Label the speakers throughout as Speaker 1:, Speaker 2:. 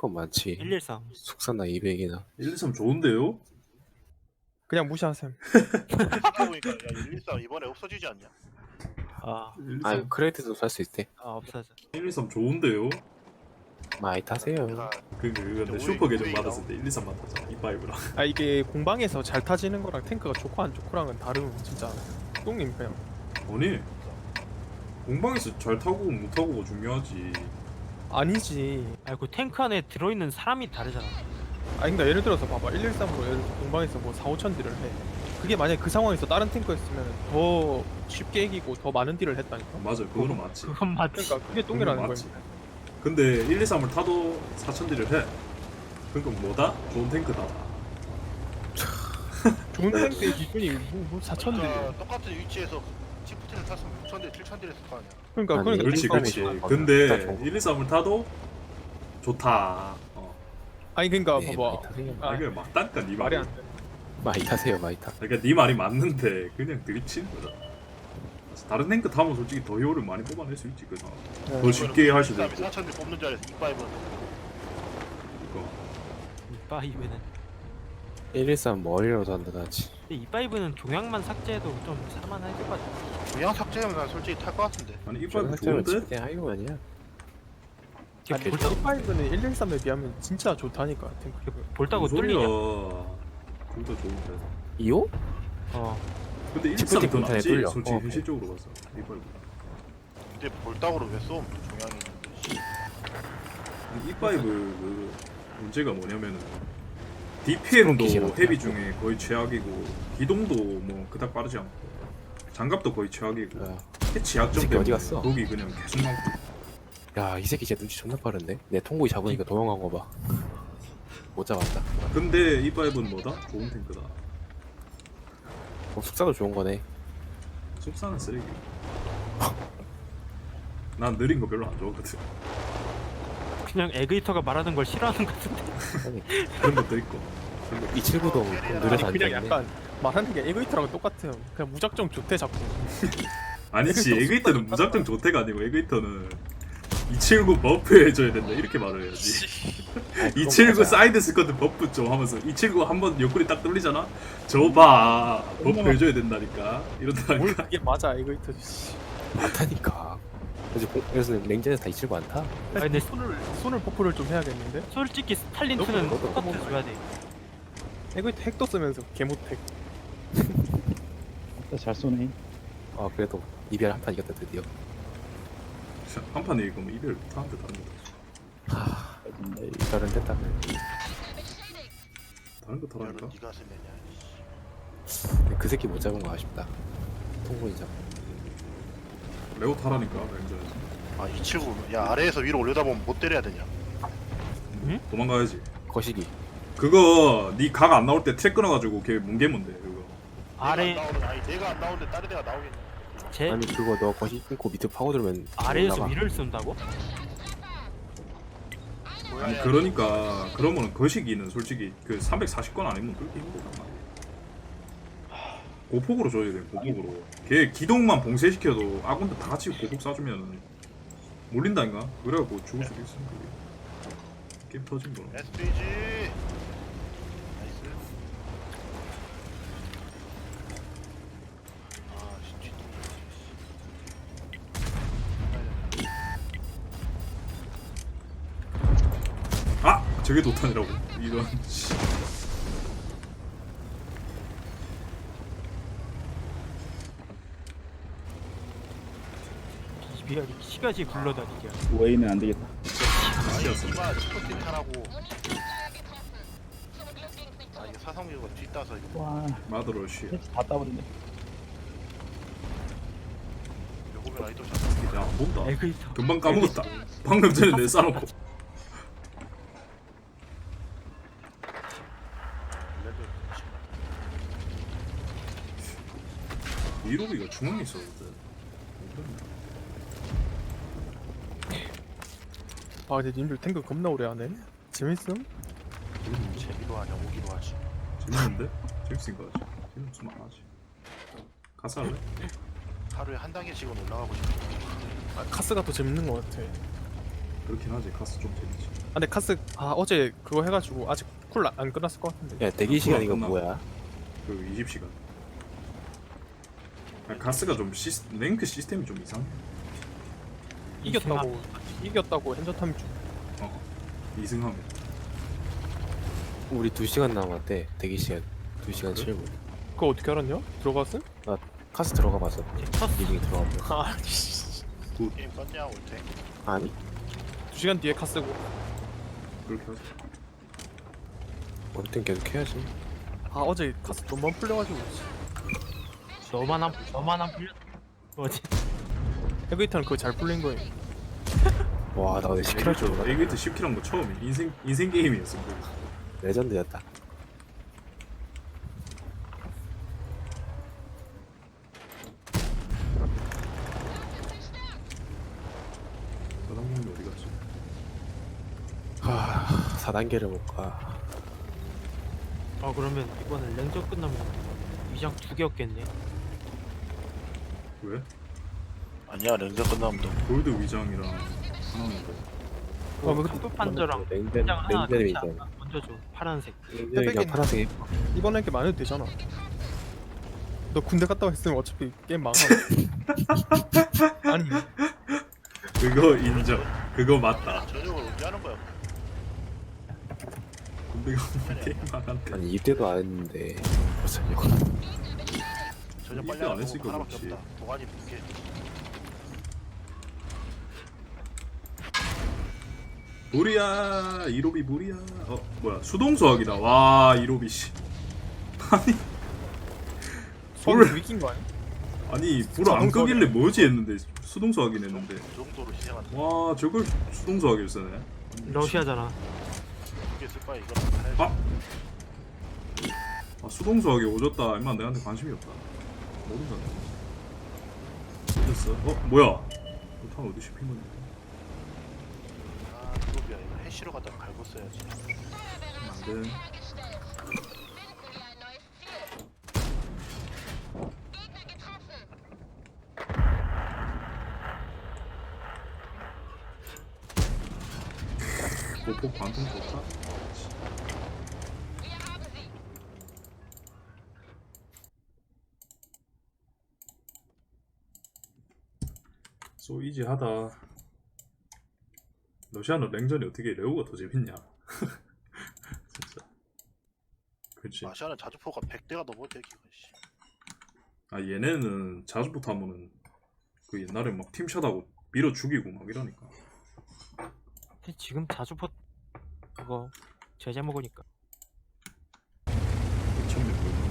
Speaker 1: 건 많지.
Speaker 2: 113.
Speaker 1: 숙사나 200이나.
Speaker 3: 123 좋은데요?
Speaker 4: 그냥 무시하셈.
Speaker 5: 생각해보니까 야 113 이번에 없어지지 않냐?
Speaker 2: 아,
Speaker 3: 123,
Speaker 1: 크레이트도 살 수 있대.
Speaker 2: 없어져.
Speaker 3: 123 좋은데요?
Speaker 1: 많이 타세요.
Speaker 5: 내가
Speaker 3: 근데
Speaker 5: 오이-
Speaker 3: 슈퍼 계정
Speaker 5: 오이
Speaker 3: 받았을 때 123 맞았잖아 이파이브랑.
Speaker 4: 아 이게 공방에서 잘 타지는 거랑 탱크가 좋고 안 좋고랑은 다름 진짜. 똥님 그냥.
Speaker 3: 아니 공방에서 잘 타고 못 타고가 중요하지.
Speaker 4: 아니지.
Speaker 2: 아니 그 탱크 안에 들어있는 사람이 다르잖아.
Speaker 4: 아 그러니까 예를 들어서 봐봐 113으로 예를 들어 공방에서 뭐 4, 5천 딜을 해. 그게 만약에 그 상황에서 다른 탱크였으면 더 쉽게 이기고 더 많은 딜을 했다니까.
Speaker 3: 맞아 그거는 맞지.
Speaker 2: 그건 맞지.
Speaker 4: 그러니까 그게 똥이라는
Speaker 3: 맞지.
Speaker 4: 거야.
Speaker 3: 근데 123을 타도 4000딜을 해. 그러니까 뭐다? 좋은 탱크다.
Speaker 4: 좋은 탱크의 기준이 뭐 4천 딜.
Speaker 5: 그러니까 똑같은 위치에서 치프트를 탔으면 6,000대 7,000딜 했을 거 아니야.
Speaker 4: 그러니까
Speaker 1: 아니,
Speaker 4: 그러니까
Speaker 3: 그렇지
Speaker 4: 그러니까
Speaker 3: 그렇지.
Speaker 1: 좋아.
Speaker 3: 근데
Speaker 1: 진짜 좋아.
Speaker 3: 123을 타도 좋다.
Speaker 4: 아니 그러니까
Speaker 1: 네,
Speaker 4: 봐봐.
Speaker 1: 많이 타세요.
Speaker 4: 아,
Speaker 3: 이게 맞다니까 네
Speaker 4: 말이
Speaker 3: 말이.
Speaker 4: 안 돼.
Speaker 1: 많이 타세요, 많이 타.
Speaker 3: 그러니까 네 말이 맞는데 그냥 드립치는 거잖아. 다른 탱크 타면 솔직히 더 효율을 많이 뽑아낼 수 있지 그 상황. 더 쉽게 할 수도 있고.
Speaker 5: 4,000딜 뽑는 줄 알았어. 이파이브는
Speaker 3: 그러니까.
Speaker 2: 이파이브는
Speaker 1: 113 머리로도 한다 나지.
Speaker 2: 근데 이파이브는 종양만 삭제해도 좀 살만할 것 같아.
Speaker 5: 그냥 삭제하면 난 솔직히 탈 것 같은데.
Speaker 3: 아니 이파이브
Speaker 1: 좋은데?
Speaker 3: 좋은데?
Speaker 1: 그냥 하이브 아니야.
Speaker 4: 아니
Speaker 2: 볼따,
Speaker 4: 1.5는 113에 비하면 진짜 좋다니까 탱크.
Speaker 2: 볼따고
Speaker 3: 무슨
Speaker 2: 뚫리냐?
Speaker 3: 소리야. 둘 다 좋은데.
Speaker 1: 2호?
Speaker 2: 어.
Speaker 3: 근데 123이
Speaker 1: 치프티
Speaker 3: 더
Speaker 1: 군탄에
Speaker 3: 낫지
Speaker 1: 뚫려.
Speaker 3: 솔직히
Speaker 1: 어,
Speaker 3: 현실적으로 봐서 이파이브.
Speaker 5: 근데 볼따구로 왜 쏘면 종양이 있는데.
Speaker 3: 이파이브 그 문제가 뭐냐면은
Speaker 1: 스모키
Speaker 3: DPM도
Speaker 1: 싫어.
Speaker 3: 헤비 중에 거의 최악이고 기동도 뭐 그닥 빠르지 않고 장갑도 거의 최악이고
Speaker 1: 야,
Speaker 3: 해치 약점
Speaker 1: 새끼
Speaker 3: 때문에
Speaker 1: 어디 갔어?
Speaker 3: 거기 그냥 계속 나오고.
Speaker 1: 야, 이 새끼 진짜 눈치 존나 빠른데? 내 통구이 잡으니까 도망간 거 봐. 못 잡았다.
Speaker 3: 근데 이파이브는 뭐다? 좋은 탱크다.
Speaker 1: 숙사도 좋은 거네.
Speaker 3: 속사는 쓰레기. 난 느린 거 별로 안 좋아하거든.
Speaker 2: 그냥 에그이터가 말하는 걸 싫어하는 것 같은데.
Speaker 1: 아니,
Speaker 3: 그런 것도 있고.
Speaker 1: 279도 좀 느려서
Speaker 4: 아니 그냥
Speaker 1: 앉아있네.
Speaker 4: 약간 말하는 게 에그이트랑 똑같아요. 그냥 무작정 좋대 자꾸.
Speaker 3: 아니지
Speaker 4: 에그이터
Speaker 3: 에그이터는
Speaker 4: 속사는
Speaker 3: 무작정 좋대가 아니고 에그이터는 279 버프 해줘야 된다 이렇게 말을 해야지. 279 사이드 스쿼트 버프 좀 하면서 279 한번 옆구리 딱 뚫리잖아? 저봐 버프 해줘야 된다니까
Speaker 4: 뭘
Speaker 3: 이런다니까.
Speaker 4: 그게 맞아 에그이트. 씨.
Speaker 1: 많다니까. 그래서 냉전에서 다 279 안 타?
Speaker 2: 아니 근데
Speaker 4: 손을 버프를 좀 해야겠는데.
Speaker 2: 솔직히 스탈린 2는
Speaker 1: 너도
Speaker 2: 똑같아줘야 돼.
Speaker 4: 에그이트 핵도 쓰면서 개못핵.
Speaker 6: 잘 쏘네.
Speaker 1: 아, 그래도 이별 한 판 이겼다, 드디어.
Speaker 3: 한판 이기면 이별 못하는데 다른 거
Speaker 1: 하, 이별은 됐다.
Speaker 3: 다른 거
Speaker 5: 이거를
Speaker 3: 타라니까.
Speaker 5: 네가 쓰느냐.
Speaker 1: 그 새끼 못 잡은 거 아쉽다. 통구이 잡.
Speaker 3: 레오 타라니까 랭전에서.
Speaker 5: 아 279. 야 아래에서 위로 올려다 보면 못 때려야 되냐.
Speaker 2: 응?
Speaker 3: 도망가야지.
Speaker 1: 거시기.
Speaker 3: 그거 니 각 안 나올 때 트랙 끊어가지고 걔 뭉개면 돼 그거.
Speaker 2: 아래
Speaker 5: 내가 안 나오는데 다른 데가 나오겠냐.
Speaker 2: 제
Speaker 1: 아니, 그거 너 거시기 끊고 밑에 파고들면
Speaker 2: 아래에서
Speaker 1: 올라가.
Speaker 2: 위를 쏜다고?
Speaker 3: 아니 그러니까 그러면은 거시기는 솔직히 그 340건 아니면 그렇게 힘들단 말이야. 고폭으로 줘야 돼 고폭으로. 걔 기동만 봉쇄시켜도 아군들 다 같이 고폭 쏴주면 몰린다니까. 그래갖고 죽을 수도 있어 그게. 게임 터진 거는.
Speaker 5: SPG. 나이스. 아 진짜.
Speaker 3: 아! 저게 노탄이라고 이런. 씨.
Speaker 2: 비비하게 시가지 굴러다니게.
Speaker 6: 웨이는 안 되겠다.
Speaker 5: 아니 이마 스포팅 타라고. 아 이게 사성유가 뒤따서 이거
Speaker 6: 와,
Speaker 3: 마더러쉬.
Speaker 6: 다 따버리네.
Speaker 5: 요거면 아이돌 샷.
Speaker 3: 야안 본다.
Speaker 2: 에그이터.
Speaker 3: 금방 까먹었다. 방금 전에 내 싸놓고.
Speaker 5: 레벨
Speaker 3: 이로비가 중앙에 있었거든.
Speaker 4: 아 근데 님들 탱크 겁나 오래 하네. 재밌음?
Speaker 5: 재미로 하냐 오기로 하지.
Speaker 3: 재밌는데? 재밌으니까 하지. 재밌으면 안 하지. 가서 할래?
Speaker 5: 하루에 한 단계씩은 올라가고 싶어.
Speaker 4: 아, 카스가 더 재밌는 것 같아.
Speaker 3: 그렇긴 하지. 카스 좀 재밌지.
Speaker 4: 아 근데 카스 어제 그거 해가지고 아직 쿨 안 끝났을 것 같은데.
Speaker 1: 야 대기 시간 이거
Speaker 3: 끝나.
Speaker 1: 뭐야?
Speaker 3: 그 20시간. 카스가 좀 랭크 시스템이 좀 이상해.
Speaker 4: 이겼다고 핸저탐 중.
Speaker 3: 어. 2승하면.
Speaker 1: 우리 2시간 남았대. 대기 시간 2시간 7분.
Speaker 4: 그거 어떻게 알았냐? 들어갔음?
Speaker 1: 카스 들어가 봤어.
Speaker 2: 첫
Speaker 1: 리딩이 들어가 봤어.
Speaker 4: 아
Speaker 5: 게임 껐냐 올때
Speaker 1: 아니?
Speaker 4: 2시간 뒤에 카스고.
Speaker 3: 그렇게 하지.
Speaker 1: 원땐 계속 해야지.
Speaker 4: 아 어제 카스 좀만 풀려가지고.
Speaker 2: 너만 안 풀려. 뭐지?
Speaker 4: 에그이터는 그거 잘 풀린 거임.
Speaker 1: 와 나 근데 10킬 할 줄 몰라.
Speaker 3: 에이비트 10킬 한 거 처음이 인생 게임이었어.
Speaker 1: 레전드였다.
Speaker 3: 사장님이 어디 갔지?
Speaker 1: 하 4단계를 못 가.
Speaker 2: 그러면 이번에 랭전 끝나면 위장 2개 없겠네.
Speaker 3: 왜?
Speaker 5: 아니야 랭전 끝나면 돼.
Speaker 3: 골드 위장이랑 하나는 거.
Speaker 4: 그
Speaker 2: 급 판저랑
Speaker 1: 냉전
Speaker 2: 위장 하나
Speaker 1: 냉전이
Speaker 2: 같이
Speaker 1: 있잖아.
Speaker 2: 먼저 줘. 파란색.
Speaker 1: 냉전이랑 파란색이
Speaker 4: 이번에 게 많아도 되잖아. 너 군대 갔다 왔으면 어차피 게임 망하. 아니
Speaker 3: 그거 인정. 그거 맞다.
Speaker 5: 저녁을 언제 하는 거야?
Speaker 3: 군대가 게임 안 한대.
Speaker 1: 아니 입대도 안 했는데 벌써 이거.
Speaker 5: 저녁
Speaker 3: 이때
Speaker 5: 빨리
Speaker 3: 안
Speaker 5: 하는
Speaker 3: 했으니까
Speaker 5: 거 하나밖에
Speaker 3: 그렇지.
Speaker 5: 없다. 도가니 2개.
Speaker 3: 무리야 이로비 무리야. 뭐야 수동수학이다. 와 이로비 씨. 아니
Speaker 4: 손
Speaker 3: 불
Speaker 4: 위기인 거 아니야?
Speaker 3: 아니 불 안 끄길래 뭐지 했는데 수동수학이네 했는데.
Speaker 5: 그 정도로 희생한다.
Speaker 3: 와 저걸 수동수학을 쓰네.
Speaker 2: 러시아잖아.
Speaker 5: 2개 쓸 거야 이거. 해야지.
Speaker 3: 수동수학이 오졌다. 임마 내한테 관심이 없다. 모른다. 어땠어? 뭐야? 탄 어디 씹힌 건데?
Speaker 5: 아 그거야 이거 해시로 갖다 갈고 써야지.
Speaker 3: 안돼. 보폭 관통 좋다. 소 이지하다. 러시아는 랭전이 어떻게 레오가 더 재밌냐? 진짜. 그렇지.
Speaker 5: 아시아는 자주포가 100대가 넘어대 기가 씨.
Speaker 3: 얘네는 자주부터 하면은 그 옛날에 막 팀샷하고 밀어 죽이고 막 이러니까.
Speaker 2: 근데 지금 자주포 그거 제재 먹으니까.
Speaker 3: 미쳤네 그거.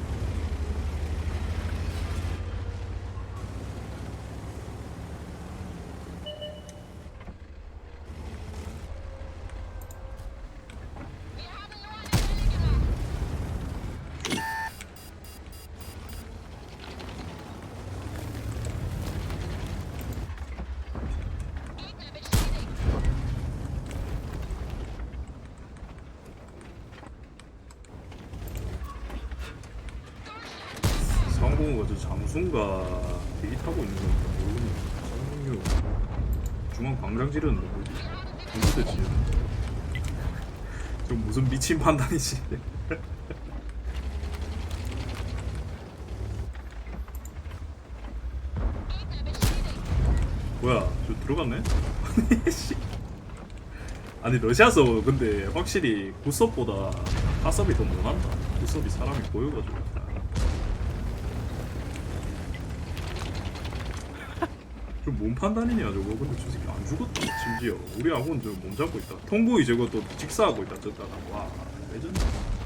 Speaker 3: 상공우가 저 잠수인가 대기 타고 있는 거니까 모르겠네. 상공유 중앙 광장 지르는데 뭐지? 무슨 뜻이야? 저 무슨 미친 판단이지? 뭐야 저 들어갔네? 아니 씨. 아니 러시아서 근데 확실히 굿섭보다 핫섭이 더 못한다. 굿섭이 사람이 보여가지고. 좀 몸 판단이냐 저거. 근데 저 새끼 안 죽었다. 심지어 우리 아군 저 몸 잡고 있다. 통구이 저거 또 직사하고 있다. 저다가 와 레전드.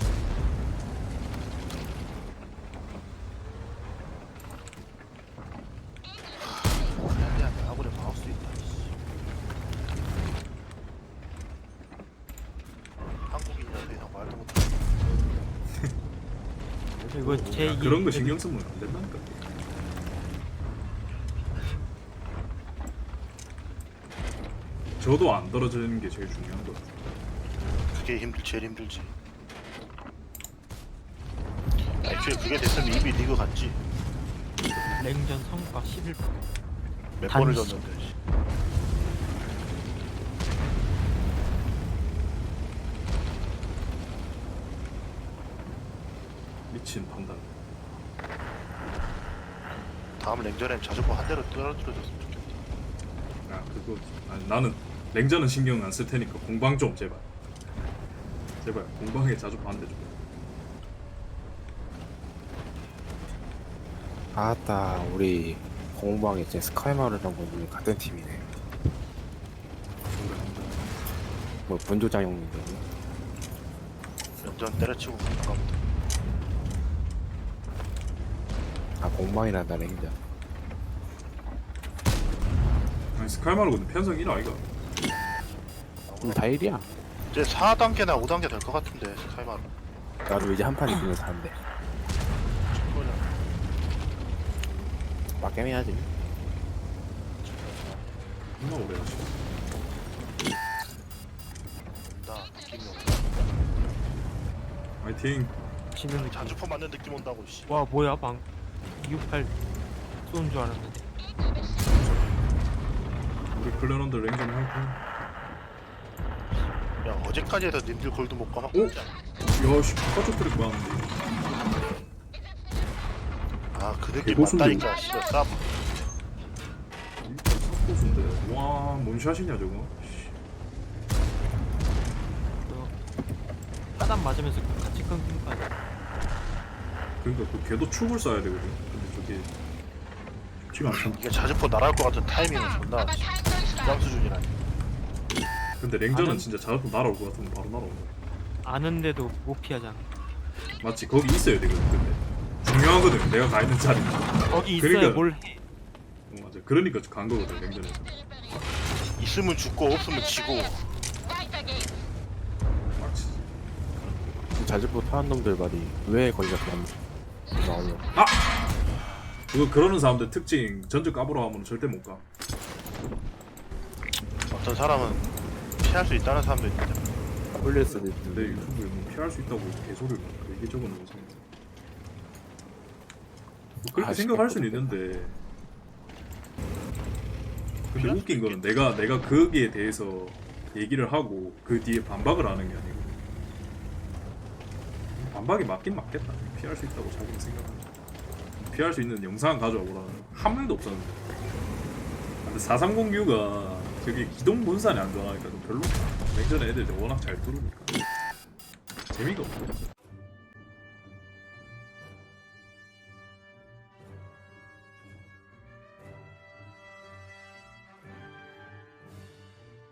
Speaker 5: 한대한테 아군에 막을 수 있다. 씨. 한국인이라 더 이상 말도 못해.
Speaker 2: 이거 제
Speaker 3: 그런 거 신경 쓰면 안 된다니까. 저도 안 떨어지는 게 제일 중요한 거 같아.
Speaker 5: 그게 제일 힘들지. 애초에 그게 됐으면 이미 리그 갔지.
Speaker 2: 랭전 성과 11%.
Speaker 5: 몇
Speaker 2: 단지.
Speaker 5: 번을 졌는데. 씨.
Speaker 3: 미친 판단.
Speaker 5: 다음 랭전엔 자전거 한 대로 떨어뜨려줬으면 좋겠다.
Speaker 3: 아 그거 아니, 나는 냉전은 신경 안 쓸 테니까 공방 좀 제발. 제발 공방에 자주 반대 좀.
Speaker 1: 아따 우리 공방에 이제 스카이마루랑 분이 같은 팀이네. 뭐 분조장 형님들.
Speaker 5: 랭전 때려치고 가까부터.
Speaker 1: 아 공방이란다 랭자.
Speaker 3: 아니 스카이마루 근데 편성 1 아이가?
Speaker 1: 다 1이야.
Speaker 5: 이제 4단계나 5단계 될 것 같은데 스카이마루.
Speaker 1: 나도 이제 한 판 이기면서 하는데. 막겜 해야지.
Speaker 3: 존나 오래 하지.
Speaker 5: 나 느낌이 없다.
Speaker 3: 화이팅.
Speaker 2: 지는 느낌.
Speaker 5: 자주포 맞는 느낌 온다고 씨.
Speaker 2: 와 뭐야 방 268 쏘는 줄 알았는데.
Speaker 3: 우리 클레런들 랭전 화이팅.
Speaker 5: 야 어제까지 해서 님들 골드 못 가막
Speaker 3: 오?
Speaker 5: 진짜.
Speaker 3: 야씨 바깥쪽 트랙 많은데.
Speaker 5: 아그 느낌
Speaker 3: 개고수인데.
Speaker 5: 맞다니까 씨발 쌉.
Speaker 3: 삭고수인데. 와 뭔샷이냐 저거. 씨.
Speaker 2: 까단 맞으면서 같이 끊긴 거 아니야?
Speaker 3: 그러니까 그 걔도 축을 쏴야 되거든. 근데 저게 쉽지가 않잖아.
Speaker 5: 이게 자주포 날아올 것 같은 타이밍은 존나 부담 수준이라니.
Speaker 3: 근데 랭전은
Speaker 2: 나는-
Speaker 3: 진짜 자주 날아올 것 같으면 바로 날아오는 거야.
Speaker 2: 아는데도 못 피하잖아.
Speaker 3: 맞지? 거기 있어야 되거든. 근데 중요하거든. 내가 가 있는 자리.
Speaker 2: 거기 있어야
Speaker 3: 그러니까-
Speaker 2: 뭘 해.
Speaker 3: 맞아. 그러니까 간 거거든 랭전에서.
Speaker 5: 있으면 죽고 없으면 지고.
Speaker 3: 맞지.
Speaker 1: 자주포 타는 놈들 말이 왜 거기가 그냥 나오냐.
Speaker 3: 그거 그러는 사람들 특징 전적 까보러 가면 절대 못 가.
Speaker 5: 어떤 사람은 피할 수 있다는 사람도 있는데.
Speaker 1: 홀릴 수도
Speaker 3: 내
Speaker 1: 있는데.
Speaker 3: 유튜브에 뭐 피할 수 있다고 개소리를 막 이게 적은 거지. 뭐 그렇게
Speaker 1: 아,
Speaker 3: 생각할 수는
Speaker 1: 시끄럽다.
Speaker 3: 있는데. 근데 웃긴 거는 내가 거기에 대해서 얘기를 하고 그 뒤에 반박을 하는 게 아니고 반박이 맞긴 맞겠다. 피할 수 있다고 자기는 생각하는. 피할 수 있는 영상 가져와 보라는 한 명도 없었는데. 근데 4309가 저기 기동 분산이 안 좋아하니까 좀 별로. 냉전에 애들 워낙 잘 뚫으니까 재미가 없어.